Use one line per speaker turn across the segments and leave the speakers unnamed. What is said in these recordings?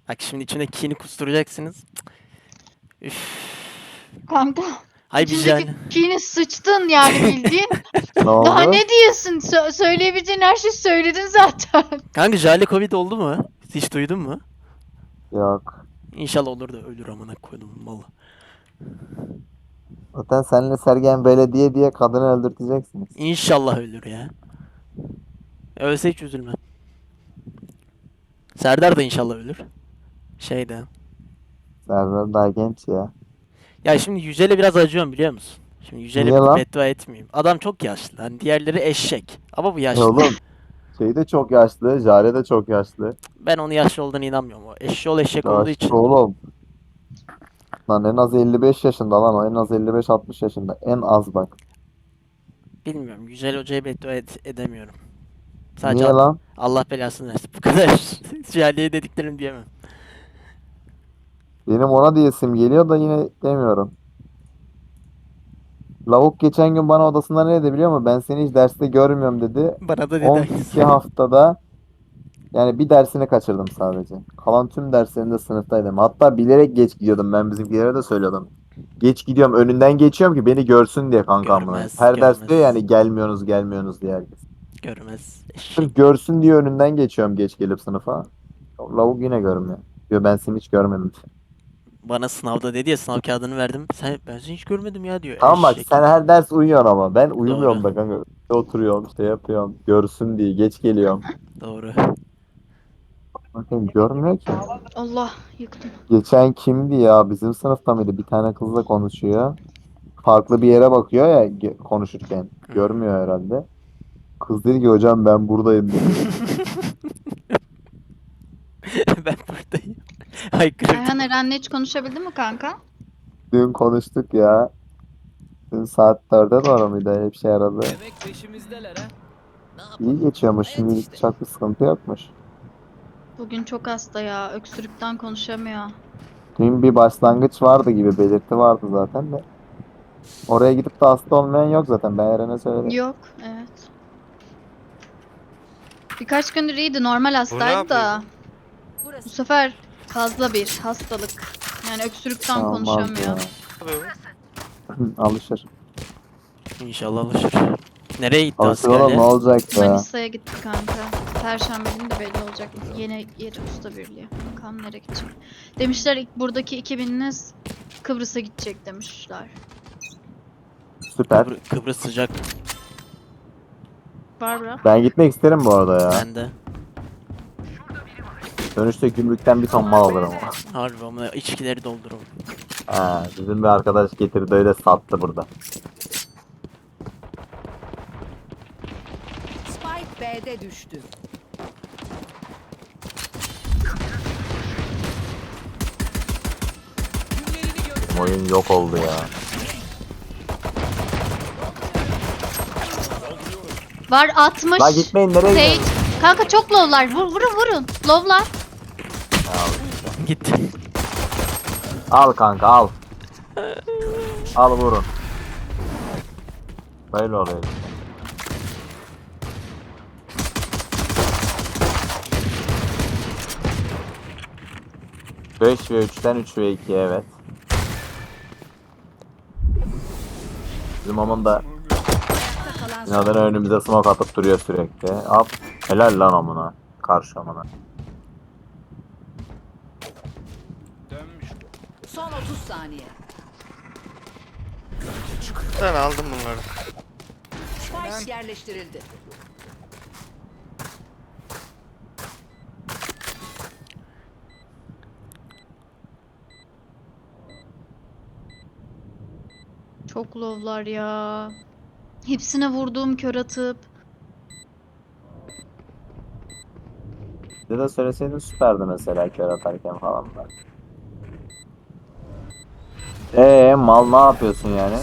Bak şimdi içine kini kusturacaksınız. Üf.
Kanka
Hay bir
içindeki
can.
kini sıçtın yani bildiğin.
Ne
Daha
oldu?
ne diyorsun? Söyleyebileceğin her şeyi söyledin zaten.
Kanka Jale Covid oldu mu? Hiç duydun mu?
Yok.
İnşallah olur da ölür amına koydum malı.
Zaten seninle Sergen Belediye diye kadını öldürteceksiniz.
İnşallah ölür ya. Ölse hiç üzülmem. Serdar da inşallah ölür. Şeyde.
Serdar daha genç ya.
Ya şimdi Yücel'e biraz acıyorum biliyor musun? Şimdi
Niye
Yücel'e
lan?
beddua etmeyeyim. Adam çok yaşlı. Hani diğerleri eşek. Ama bu
E
yaşlı.
oğlum şey de çok yaşlı. Jare de çok yaşlı.
Ben onun yaşlı olduğuna inanmıyorum. O eşşoğlu eşek olduğu
Yaşlı
için.
oğlum. Lan en az 55 yaşında lan o. En az 55-60 yaşında. En az bak.
Bilmiyorum. Yücel Hoca'ya beddua edemiyorum. Sadece
Niye lan?
Allah belasını versin. Bu kadar. Jale'ye dediklerim diyemem.
Benim ona diyesim geliyor da yine demiyorum. Lavuk geçen gün bana odasında ne dedi biliyor musun? Ben seni hiç derste görmüyorum dedi.
Bana da dedi
12
aynısı.
haftada yani bir dersini kaçırdım sadece. Kalan tüm derslerinde sınıftaydım. Hatta bilerek geç gidiyordum. Ben bizimkilere de söylüyordum. Geç gidiyorum. Önünden geçiyorum ki beni görsün diye kankamla.
Görmez,
Her ders diyor
görmez,
yani gelmiyorsunuz gelmiyorsunuz diye herkes.
görmez. Eşek.
Sırf görsün diye önünden geçiyorum geç gelip sınıfa. Lavuk yine görmüyor. Diyor ben seni hiç görmedim.
Bana sınavda dedi ya sınav kağıdını verdim. Ben seni hiç görmedim ya diyor.
Tamam bak
Eşek.
sen her ders uyuyorsun ama ben
Doğru.
uyumuyorum da kanka. Oturuyorum işte yapıyorum. Görsün diye geç geliyorum.
Doğru.
Bakın görmüyor ki.
Allah yıktım.
Geçen kimdi ya? Bizim sınıfta mıydı? Bir tane kızla konuşuyor. Farklı bir yere bakıyor ya konuşurken.
Hmm.
Görmüyor herhalde. Kız dedi ki hocam ben buradayım dedi.
Ben buradayım. Haykırırdım.
Ayhan Eren'le hiç konuşabildin mi kanka?
Dün konuştuk ya. Dün saat 4'e doğru muydu? Hep şey aradı.
Demek peşimizdeler ha. Ne
İyi
yapalım?
geçiyormuş.
Hayat
Şimdilik
işte.
çok bir sıkıntı yokmuş.
Bugün çok hasta ya. Öksürükten konuşamıyor.
Dün bir başlangıç vardı gibi belirti vardı zaten de. Oraya gidip de hasta olmayan yok zaten. Ben Eren'e söyledim.
Yok. Evet. Birkaç gündür iyiydi. Normal hastaydı da. Bu sefer fazla bir hastalık. Yani öksürükten
Olmaz
konuşamıyor.
ya. Alışır.
İnşallah alışır. Nereye gitti
Alışır oğlum ne
askerliğe?
olacak ya?
Manisa'ya gitti kanka. Perşembe günü de belli olacak. Yeni yeri usta birliği. Bakalım nereye gidecek. Demişler buradaki 2000'iniz Kıbrıs'a gidecek demişler.
Süper.
Kıbrıs sıcak.
Var bura.
Ben gitmek isterim bu arada ya.
Ben de.
Dönüşte gümrükten bir ton mal alırım ama.
Harbi ama içkileri dolduralım.
Ha, bizim bir arkadaş getirdi öyle sattı burada.
Spike B'de düştü.
Oyun yok oldu ya.
Var 60.
La gitmeyin nereye
Sage.
gidiyorsun?
Kanka çok low'lar. Vurun. Low'lar.
Gitti.
Al kanka al. Al vurun. Böyle oluyor. 5 ve 3'ten 3 ve 2 evet. Bizim onun da
Kalan
binadan önümüze smoke atıp duruyor sürekli. Hop. Helal lan amına. Karşı amına.
Dönmüş.
son 30 saniye.
Ben aldım bunları.
Spike yerleştirildi.
Çok low'lar ya. Hepsine vurduğum kör atıp.
Bir de söyleseydin süperdi mesela kör atarken falan da. Mal ne yapıyorsun yani?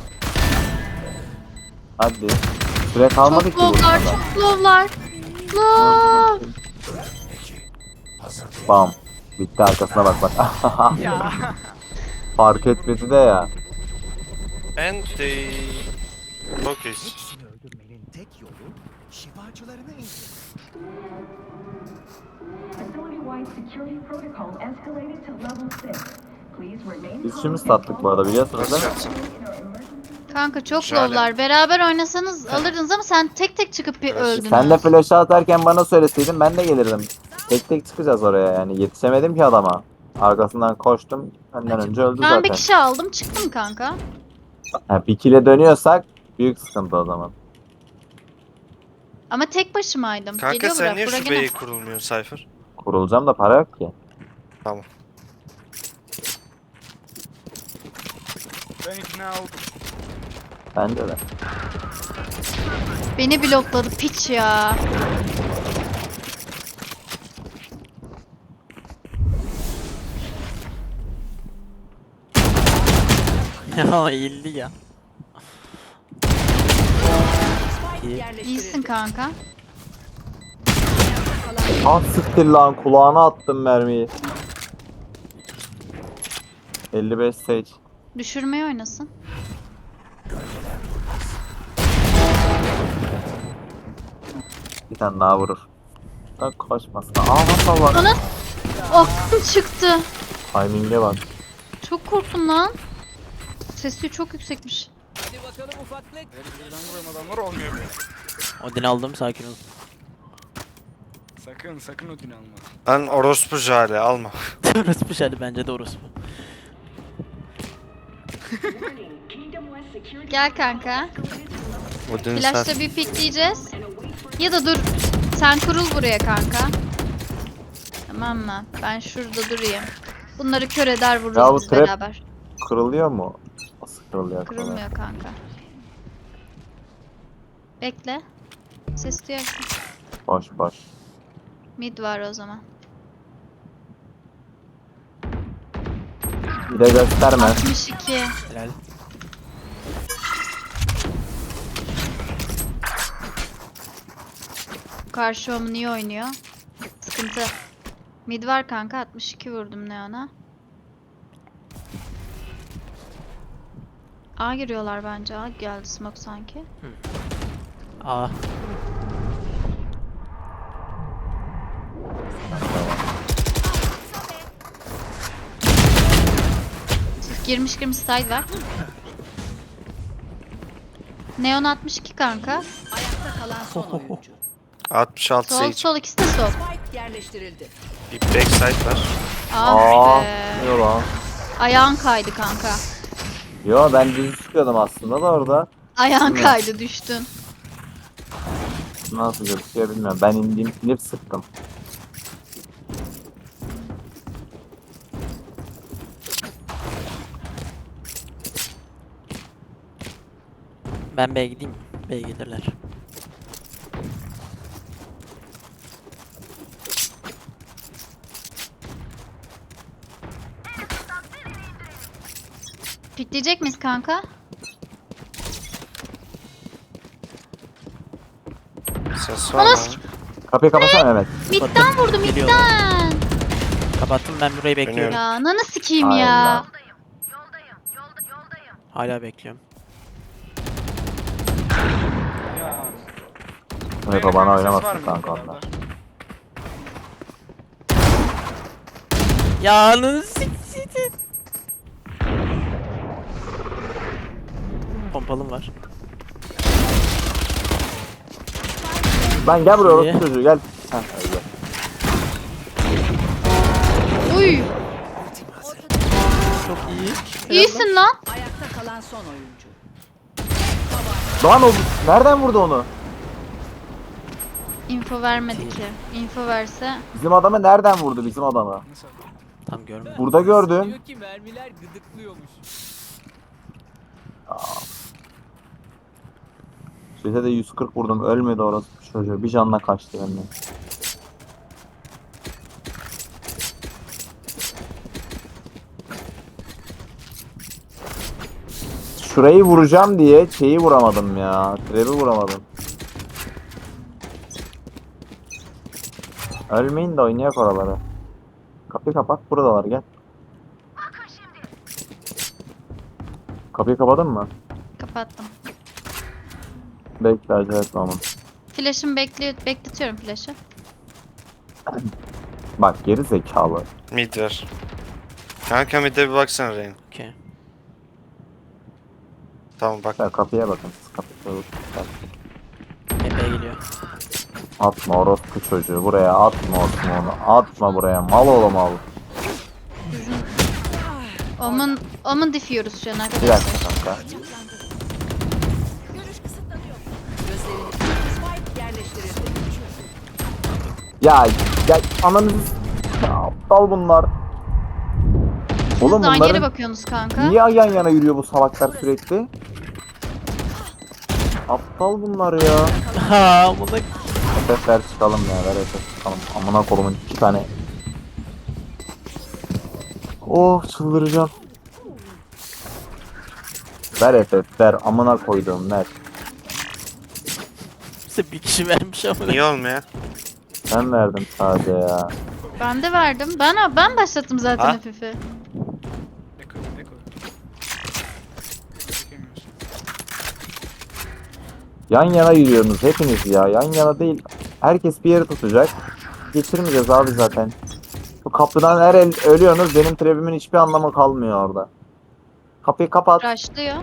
Hadi. Süre kalmadı
Çok
ki
low'lar,
burada.
çok low'lar. Low.
Bam. Bitti arkasına bak bak. Fark etmedi de ya.
And they... Okay.
Hepsini öldürmenin tek yolu şifacılarını indir.
Biz şimdi sattık bu arada biliyorsunuz
Nasıl
değil mi?
yapsın?
Kanka çok
Şöyle.
low'lar. Beraber oynasanız alırdınız ama sen tek tek çıkıp bir
Evet.
öldün.
Sen de flash'ı atarken bana söyleseydin ben de gelirdim. Tek tek çıkacağız oraya yani. Yetişemedim ki adama. Arkasından koştum. Benden önce öldü
Ben bir
zaten.
kişi aldım çıktım kanka.
Ha, bir kile dönüyorsak büyük sıkıntı o zaman.
Ama tek başımaydım.
Kanka
Geliyor
sen
bırak.
niye
Bura
şu
gene.
B'yi kurulmuyorsun Cypher?
Kurulacağım da para yok ki.
Tamam.
Ben ikna oldum.
Bence de.
Beni blokladı piç ya.
Ya eğildi ya.
Spike yerleştirildi.
İyisin kanka.
Ah siktir lan kulağına attım mermiyi. 55 Sage.
Düşürmeyi oynasın.
Bir tane daha vurur. Da koşmasın. Aa nasıl var?
Ana aklım çıktı.
Timing'e bak.
Çok korktum lan. Sesi çok yüksekmiş.
Hadi bakalım ufaklık. Buradan vuran adamlar olmuyor böyle.
Odin aldım, sakin ol.
Sakın ödün alma.
Lan orospu jale alma.
Orospu hadi, bence de orospu.
Gel kanka.
Odin
Flash'ta
sen.
bir pikleyeceğiz. Ya da dur. Sen kurul buraya kanka. Tamam mı? Ben şurada durayım. Bunları kör eder
Ya bu
vururuz biz
trap-
beraber.
Kırılıyor mu? Nasıl kırılıyor?
Kırılmıyor kanka. Bekle. Ses duyarsın.
Boş boş.
Mid var o zaman.
Bir de gösterme.
62.
Helal.
Karşı omu niye oynuyor? Sıkıntı. Mid var kanka, 62 vurdum Neon'a. A giriyorlar bence. A geldi smoke sanki.
Aa.
Girmiş side var. Neon 62 kanka.
Ayakta kalan son oyuncu.
66
Sol
Sage.
sol ikisi de sol.
Spike yerleştirildi.
Bir backside var.
Ah
Aa,
be.
yok lan.
Ayağın kaydı kanka.
Yo ben düz çıkıyordum aslında da orada.
Ayağın
Ne?
kaydı düştün.
Nasıl gözüküyor bilmiyorum. Ben inip sıktım.
Ben B'ye gideyim. B'ye gelirler.
Pikleyecek miyiz kanka?
Ses var mı?
Anas-
Kapıyı kapatsana Mehmet.
Midden vurdu
Geliyor.
midden.
Kapattım, ben burayı bekliyorum.
Ya nana sikeyim
Aynen.
ya.
Hala bekliyorum.
Ya.
Evet o bana oynamasın kanka onlar.
Ya ananı siktir. Pompalım var.
Ben gel buraya
İyi.
orospu çocuğu gel. Heh, öyle.
Uy.
Çok iyi.
İyisin lan.
Ayakta kalan son oyuncu.
Lan o nereden vurdu onu?
Info vermedi ki. Info verse.
Bizim adamı nereden vurdu bizim adamı?
Nasıl?
Tam görmedim.
Burada gördüm.
Diyor ki mermiler gıdıklıyormuş.
Size de 140 vurdum ölmedi orası çocuğu. Bir canla kaçtı benden. Şurayı vuracağım diye şeyi vuramadım ya. Trap'i vuramadım. Ölmeyin de oynayak oraları. Kapıyı kapat, buradalar gel. Kapıyı kapadın mı?
Kapattım.
Bekle acele etme ama.
Flash'ımı bekletiyorum flash'ı.
Bak geri zekalı.
Mid var. Kanka mid'e bir baksana Rain.
Okey.
Tamam bak.
Ya kapıya bakın. Siz kapıya bakın.
Epey geliyor.
Atma orospu çocuğu buraya atma onu. Atma buraya mal oğlum al.
Omun difiyoruz şu an
Bir
arkadaşlar.
dakika kanka.
Gözlerini Spike yerleştirildi.
Ya ananızı ya, aptal bunlar.
Siz
Oğlum
de aynı yere
bunların
bakıyorsunuz kanka.
niye yan yana yürüyor bu salaklar sürekli? Aptal bunlar ya.
Ha bu da
FF ver çıkalım ya ver FF çıkalım. Amına kolumun 2 tane. Oh çıldıracağım. Ver FF ver amına koyduğum ver.
bize bir kişi vermiş ama.
Niye olmuyor?
Ben verdim sadece ya.
Ben de verdim. Ben başlattım zaten
Ha?
hafifi.
Eko. Çekemiyorsun.
Yan yana yürüyorsunuz hepiniz ya. Yan yana değil. Herkes bir yeri tutacak. Geçirmeyeceğiz abi zaten. Bu kapıdan her el ölüyorsunuz. Benim trebimin hiçbir anlamı kalmıyor orada. Kapıyı kapat.
Rushlıyor.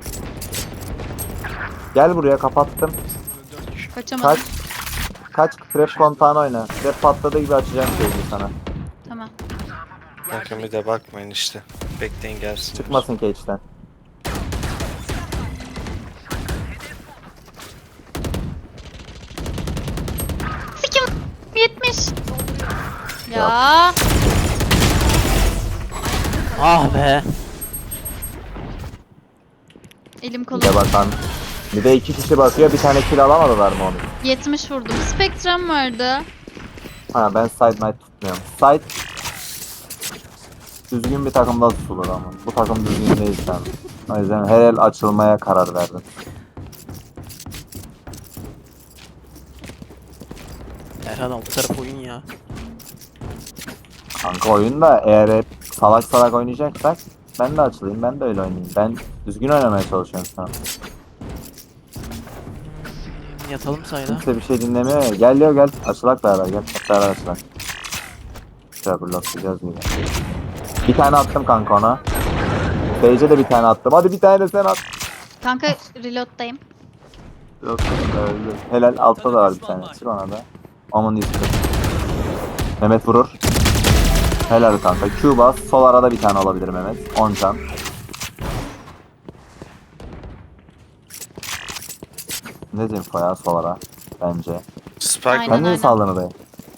Gel buraya kapattım.
4 kişi.
Kaçamadım.
Kaç. Kaç trap kontağını oyna. Trap patladığı gibi açacağım şeyi sana.
Tamam.
Kanka mid'e bakmayın işte. Bekleyin gelsin.
Çıkmasın cage'den.
Sikim 70. Ya.
Ah be.
Elim kolum.
Bir de bakan. Bir de 2 kişi bakıyor. Bir tane kill alamadılar mı onu?
70 vurdum. Spectrum vardı.
Ha ben side night tutmuyorum. Side düzgün bir takımda tutulur ama. Bu takım düzgün değil sen. O yüzden her el açılmaya karar verdim.
Erhan alt taraf oyun ya.
Kanka oyunda eğer hep salak salak oynayacaksak ben de açılayım, ben de öyle oynayayım. Ben düzgün oynamaya çalışıyorum şu an.
Yatalım sayda.
Kimse bir şey dinlemiyor ya. Gel Leo gel. Açılak beraber gel. Hep beraber açılak. Şöyle bloklayacağız gibi. Bir tane attım kanka ona. Sage'e de bir tane attım. Hadi bir tane de sen at.
Kanka reload'dayım.
Yok öldü. Helal altta da var bir tane. Çık ona da. Aman iyisin. Mehmet vurur. Helal kanka. Q bas. Sol arada bir tane olabilir Mehmet. 10 can. Ne info ya sol ara. Bence.
Spike
Aynen.
Ben niye saldın oraya?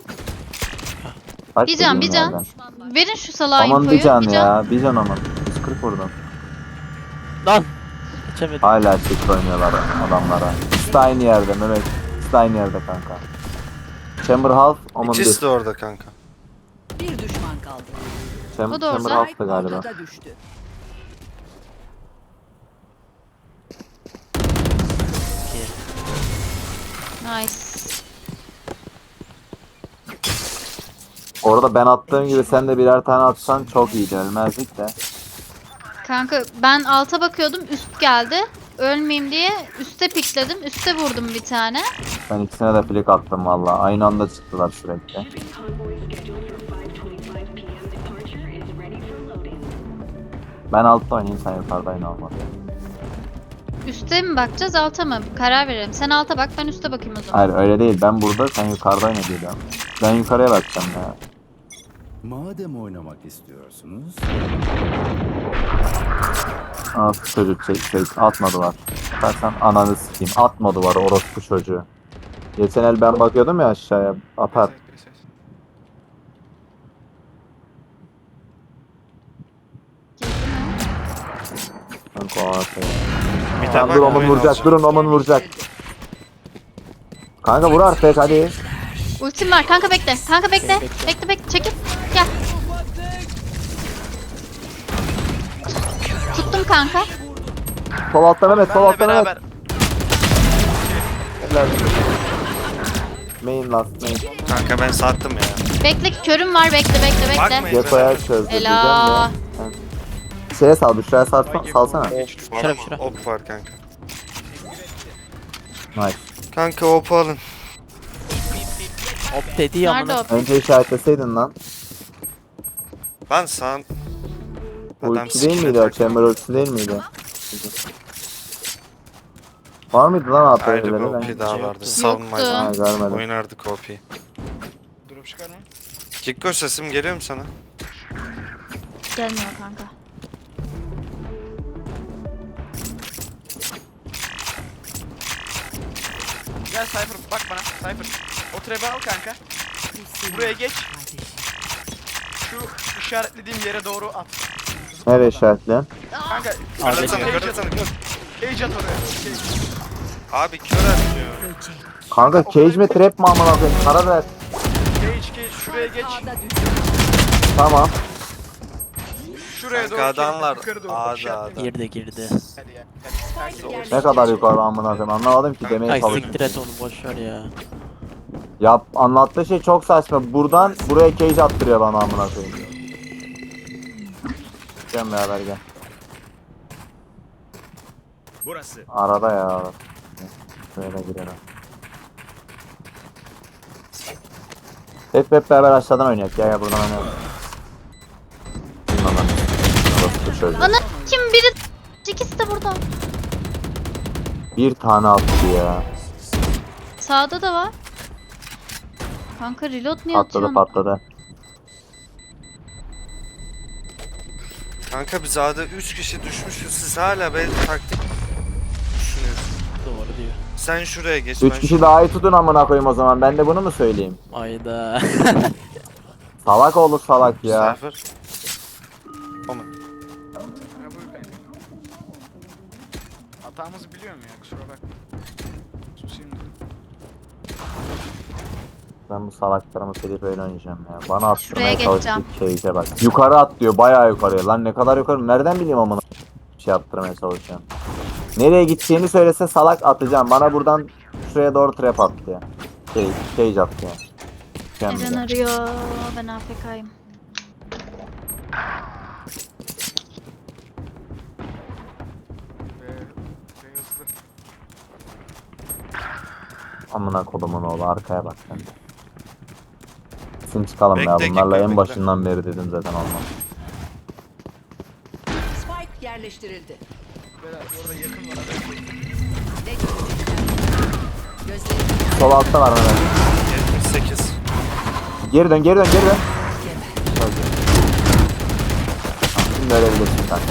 Kaç
Bir can,
dediğim
bir can.
yerden?
Verin şu salağa
Aman
infoyu.
bir can
Bir
ya. Bir can aman. 140 vurdum.
Lan. Geçemedim.
Hala çift oynuyorlar adamlara. İkisi de aynı yerde Mehmet. İkisi de aynı yerde kanka. Chamber Half, Omen
İkisi
1.
de orada kanka.
Bir düşman kaldı.
O da
Chamber
orada.
Half'tı galiba.
Ortada düştü.
Nice.
Orada ben attığım gibi sen de birer tane atsan çok iyiydi. Ölmezdik de.
Kanka ben alta bakıyordum. Üst geldi. Ölmeyeyim diye üste pikledim. Üste vurdum bir tane.
Ben ikisine de flick attım valla. Aynı anda çıktılar sürekli. Ben altta oynayayım sen yukarıda oyna olmadı.
Üste mi bakacağız alta mı? Karar verelim. Sen alta bak ben üste bakayım o zaman.
Hayır öyle değil. Ben burada sen yukarıda oyna diyorum. Ben yukarıya bakacağım ya.
Madem oynamak istiyorsunuz,
Nasıl çocuk atmadılar. Bakarsan ananı sikeyim. Atma duvarı orospu çocuğu. Geçen el ben bakıyordum ya aşağıya. Atar.
Ses.
Kanka o atıyor.
Mid'e
Tamam,
bak.
dur Omen
oyun
vuracak.
olacak.
Durun Omen vuracak. Kanka vur artık hadi.
Ultim var. Kanka bekle. Kanka bekle. Bekle bekle. Çekil. Gel. Tuttum kanka.
Sol altta Mehmet. Sol altta Mehmet.
Beraber.
Helal. Main last main.
Kanka ben sattım ya.
Bekle körüm var. Bekle bekle bekle.
Bakmayın.
Depoya çözdü diyeceğim
Ela.
de. Şeye sal, Büşra'ya salsana.
Şura, şura.
Op var kanka.
Nice.
Kanka op alın.
Hop dedi ya
Nerede
amına.
o?
Önce işaretleseydin lan.
Ben sağ...
Ulti değil miydi o? Chamber ultisi değil miydi? Var mıydı lan
Ayrı bir
AP'leri?
OP
Ben
daha
Yoktu.
vardı. Savunmaydı.
ha, görmedim.
Oynardık OP'yi.
Drop çıkar mı?
Kikko sesim geliyor mu sana?
Gelmiyor kanka.
Gel Cypher bak bana. Cypher. O trap'i al kanka. Buraya geç. Şu işaretlediğim yere doğru at.
Nereye işaretleyen?
Kanka
Kırlasana,
Cage
kırlasana,
at.
kır.
Cage at oraya. Cage.
Abi kör atıyor.
Kanka cage mi trap mi amına koyayım? Karar ver.
Cage. Şuraya geç.
A'da düştü.
Tamam.
Şuraya doğru.
Kanka adamlar
yukarı doğru.
A'da
İşaretle.
A'da.
Girdi.
Hadi ya. Hadi.
Spike
Ne kadar yukarı amına koyayım anlamadım ki demeye
Ay
çalışıyorum.
siktir et onu boşver ya.
Ya anlattığı şey çok saçma. Buradan buraya cage attırıyor bana amına koyayım. Gel beraber gel.
Burası.
Arada ya. Böyle girelim. Hep beraber aşağıdan oynayak ya buradan oynayalım. Bilmem ben. Orası da şöyle.
Ana kim biri? İkisi de burada.
Bir tane attı ya.
Sağda da var. Kanka reload niye
Patladı
atıyorsun?
patladı.
Kanka biz A'da 3 kişi düşmüşüz. Siz hala böyle taktik düşünüyorsunuz.
Doğru diyor.
Sen şuraya geç.
3
ben
kişi daha iyi tutun amına koyayım o zaman. Ben de bunu mu söyleyeyim?
Ayda.
Salak olur salak ya.
Cypher. O mu?
Ya buyur kanka. Hatamızı biliyorum ya kusura bakma. Susayım dedim.
Ben bu salaklarımı silip öyle oynayacağım ya. Bana
Şuraya
attırmaya
geçeceğim.
çalıştık şeyce bak. Yukarı at diyor bayağı yukarıya. Lan ne kadar yukarı nereden bileyim amına şey yaptırmaya çalışacağım. Nereye gideceğini söylese salak atacağım. Bana buradan şuraya doğru trap attı ya. Cage attı ya.
Eren
Mükemmel.
arıyor. Ben AFK'yim.
Ve hızlı.
Amına kodumun oğlu arkaya bak sen. Kesin çıkalım ya
Bekle,
bunlarla
bekle,
en
bekle.
başından beri dedim zaten olmaz.
Spike yerleştirildi.
Beyler orada yakın var.
Ne görecekler? Gözlerini
Sol altta var Mehmet.
78.
Geri dön geri dön geri dön. Şimdi ölebilirsin kanka.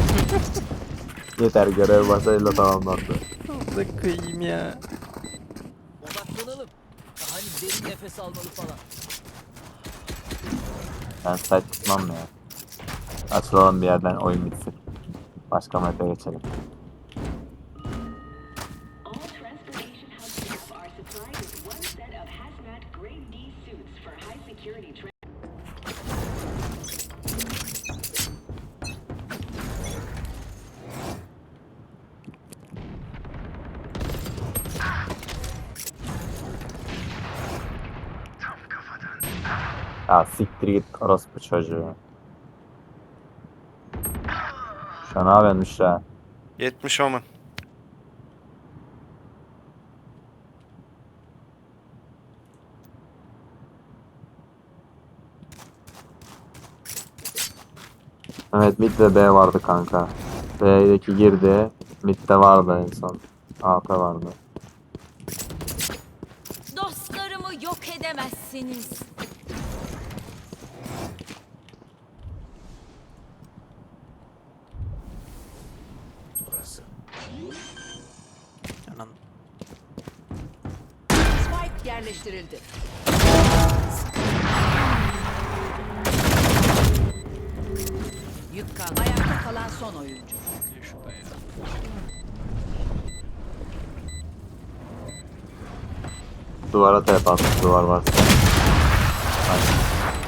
Yeter görev başarıyla tamamlandı.
Da kıyım ya.
Odaklanalım. Hani derin nefes almalı falan.
Ben site tutmam ya. Açılalım bir yerden oyun bitsin. Başka map'e geçelim.
All transportation hubs now are supplied with one set of hazmat grade D suits for high security
Ya siktir git orospu çocuğu. Şu an ne yapıyormuş ya?
70 Omen.
Evet mid ve B vardı kanka. B'deki girdi. Mid'de vardı en son. AP vardı.
Dostlarımı yok edemezsiniz.
Burası.
Anan.
Spike yerleştirildi. Yük kaldı. Ayakta kalan son oyuncu.
Bekliyor şurada ya.
Duvara tep attı duvar varsa. Aynen.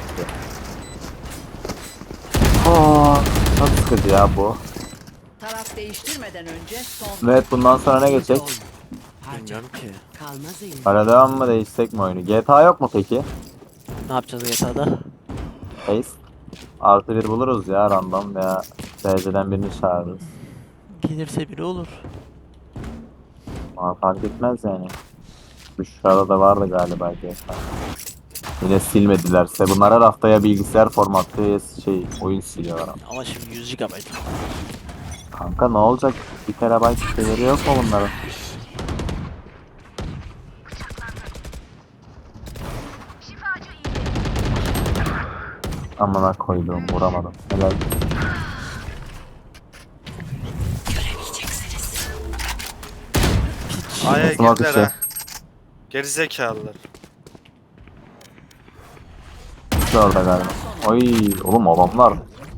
Çok sıkıcı ya bu.
Taraf değiştirmeden önce son.
Evet bundan sonra ne geçecek?
Bilmiyorum ki.
Kalmaz elim.
Hala devam mı değişsek mi oyunu? GTA yok mu peki?
Ne yapacağız GTA'da?
Ace. Artı bir buluruz ya random veya DC'den birini çağırırız.
Gelirse biri olur.
Bana fark etmez yani. Büşra'da da vardı galiba GFA. Yine silmedilerse. Bunlar her haftaya bilgisayar formatı oyun siliyorlar ama.
Ama şimdi 100 GB.
Kanka ne olacak? 1 terabayt siteleri yok mu bunların? Amına koyduğum vuramadım. Helal.
Aya
Smoke
girdiler
içi.
ha. Gerizekalılar.
İkisi orada galiba. Oy oğlum adamlar.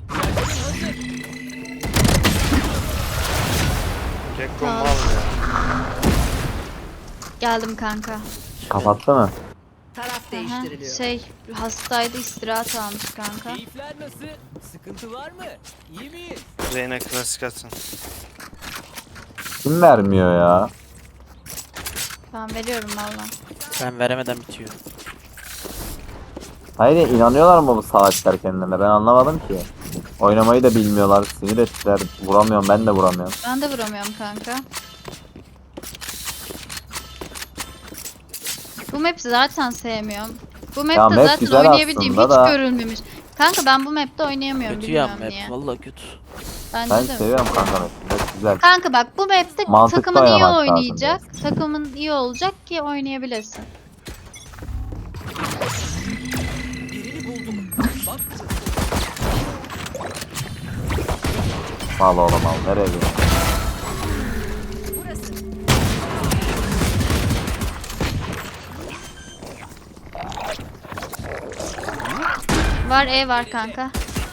Gekko mal ya.
Geldim kanka.
Kapattı mı?
Taraf
Aha,
değiştiriliyor.
hastaydı, istirahat almış kanka.
Keyifler nasıl? Sıkıntı var mı? İyi miyiz?
Reyna klasik atın.
Kim vermiyor ya?
Ben veriyorum valla.
Ben veremeden bitiyor.
Hayır inanıyorlar mı bu salaklar kendilerine? Ben anlamadım ki. Oynamayı da bilmiyorlar. Sinir ettiler. Vuramıyorum ben de vuramıyorum.
Ben de vuramıyorum kanka. Bu map'i zaten sevmiyorum. Bu map'te
map
zaten
güzel
oynayabildiğim
aslında
hiç
da.
görülmemiş. Kanka ben bu map'te oynayamıyorum
Kötü ya
bilmiyorum niye.
map. Valla kötü.
Bence
Ben
de.
seviyorum kanka mesela. Güzel.
Kanka bak bu map'te
Mantıklı
takımın iyi
oynamak lazım
oynayacak. Takımın iyi olacak ki oynayabilirsin.
Birini buldum. Bak
Mal oğlum al. Nereye gidiyorsun?
Var var kanka.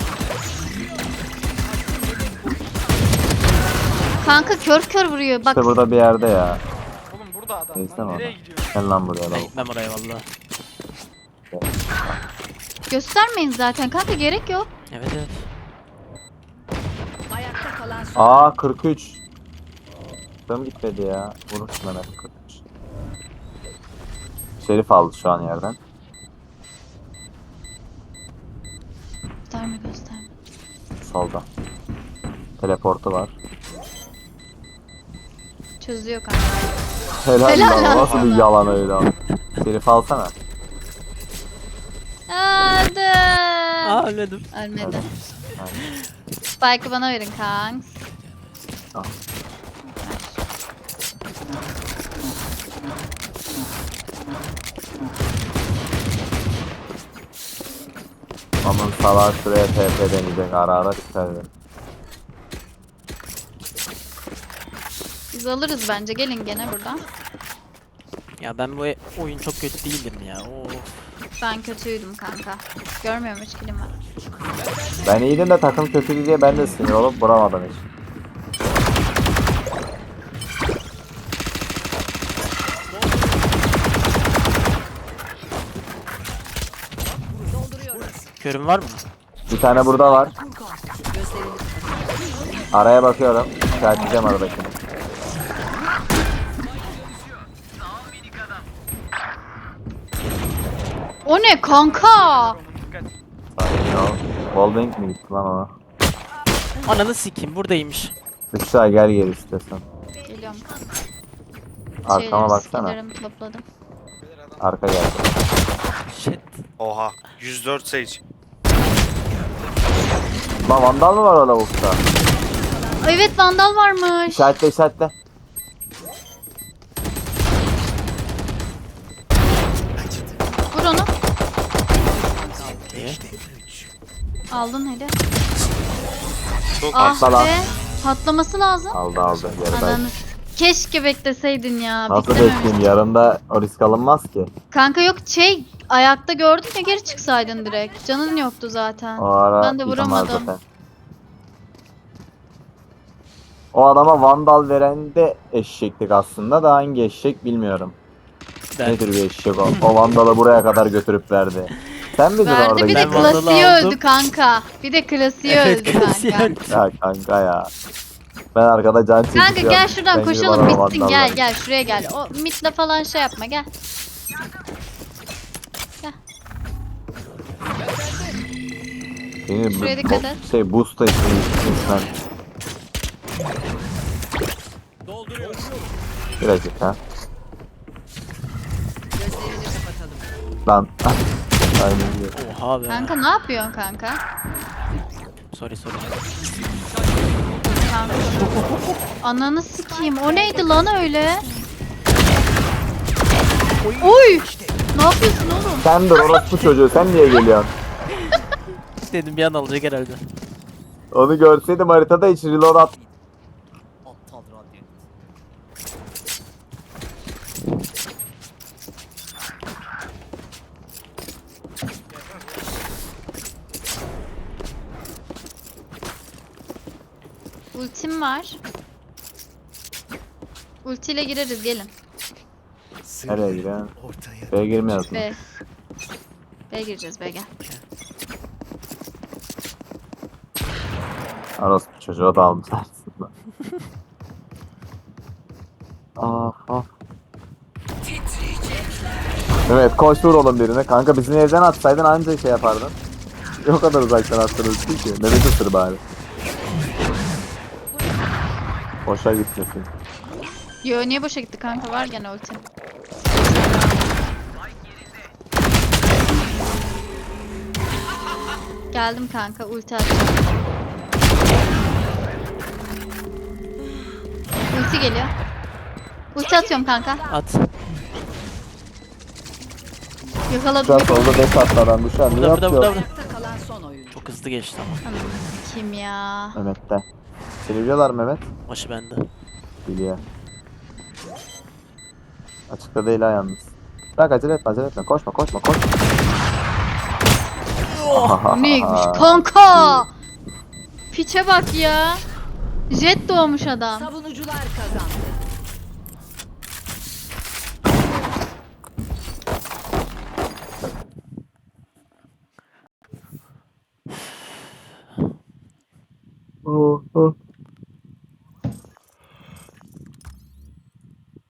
Kanka kör kör vuruyor bak.
İşte burada bir yerde ya.
Oğlum burada adam
Neyse
lan.
ama.
Nereye gidiyorsun?
Gel lan buraya
Ben
lan.
gitmem oraya valla.
Göstermeyin zaten kanka gerek yok.
Evet evet.
Ayakta kalan son.
Aa 43. Tam gitmedi ya. Vurursun hemen 43. Şerif aldı şu an yerden.
Gösterme gösterme.
Solda. Teleportu var.
Çözüyor kanka.
Helal,
Helal
lan.
lan
Nasıl bir
sana.
yalan öyle abi. Şerif alsana.
Hadi.
Aa ölmedim.
Ölmedi. Spike'ı bana verin kanks.
Al. Aman salak şuraya TP deneyecek ara ara çıkardı.
Biz alırız bence gelin gene buradan.
Ya ben bu oyun çok kötü değildim ya. Of.
Ben kötüydüm kanka. Görmüyorum hiç kilim var.
Ben iyiydim de takım kötüydü diye ben de sinir olup vuramadım hiç.
Körün var mı?
Bir tane burada var.
Gözlerini
Araya bakıyorum. İşaretleyeceğim aradakini.
O ne kanka?
Dikkat.
Sakin ol. Wallbang mi gitti lan ona?
Ananı sikeyim buradaymış.
Büşra gel geri istiyorsan.
Geliyorum.
Arkama baksana.
skillerimi topladım.
Arka geldi.
Shit.
Oha. 104 Sage.
Lan vandal mı var o lavukta?
Evet vandal varmış.
İşaretle işaretle.
Vur onu.
İyi.
Aldın hele.
Çok
Ah
Atla lan.
be. Patlaması lazım.
Aldı aldı. Yarıda.
Ananı. Keşke bekleseydin ya.
Nasıl
Beklememiş.
bekleyeyim? Yarında o risk alınmaz ki.
Kanka yok ayakta gördüm ya geri çıksaydın direkt. Canın yoktu zaten.
O ara
Ben de
yıkamaz
vuramadım.
zaten. O adama vandal veren de eşeklik aslında da hangi eşek bilmiyorum.
Ben.
Nedir bir eşek o? O vandalı buraya kadar götürüp verdi. Sen miydin
Verdi
orada?
bir de
Ben vandalı
klasiği
aldım.
öldü kanka. Bir de klasiği
Evet
öldü
klasiği
kanka.
öldü.
Ya kanka ya. Ben arkada can çekeceğim.
Kanka gel şuradan
Sen gidip
koşalım
adama
bitsin
vandal
gel
ver.
gel şuraya gel. O midle falan şey yapma gel.
Beni
Şuraya dikkat et.
boost etsin sen.
dolduruyorum.
Bir dakika. Aynen öyle.
Oha be.
Kanka ne yapıyorsun kanka?
Sorry.
Kanka. Ananı sikeyim. O neydi lan öyle? Oy! Ne yapıyorsun oğlum?
Sen dur orospu çocuğu, sen niye geliyorsun?
Dedim bir an alacak herhalde.
Onu görseydim haritada hiç reload at.
Aptal radyant.
Ultim var. Ultiyle gireriz gelin.
Nereye giriyorsun?
Ortaya.
B'ye girmiyorsun.
B. B gireceğiz B gel.
Orospu çocuğa da almış aslında. Ah. Evet koş vur oğlum birine. Kanka bizim evden atsaydın anca şey yapardın. O kadar uzaktan attınız ki. Mehmet ısır bari. Boşa gitmesin.
Yo niye boşa gitti kanka var gene ultim. Geldim kanka ulti atacağım. Ulti geliyor. Ulti atıyorum kanka.
At.
Yakaladım.
Şu an solda 5 attı adam. Bu şu an ne
Burada.
yapıyor?
Ayakta kalan son oyuncu.
Çok hızlı geçti ama.
Anam kim ya?
Mehmet'te. Seni biliyorlar Mehmet.
Başı bende.
Biliyor. Açıkta değil ha yalnız. Bırak acele etme. Koşma.
Bu neymiş kanka? Piçe bak ya. Jet doğmuş adam.
Savunucular kazandı.
Oh.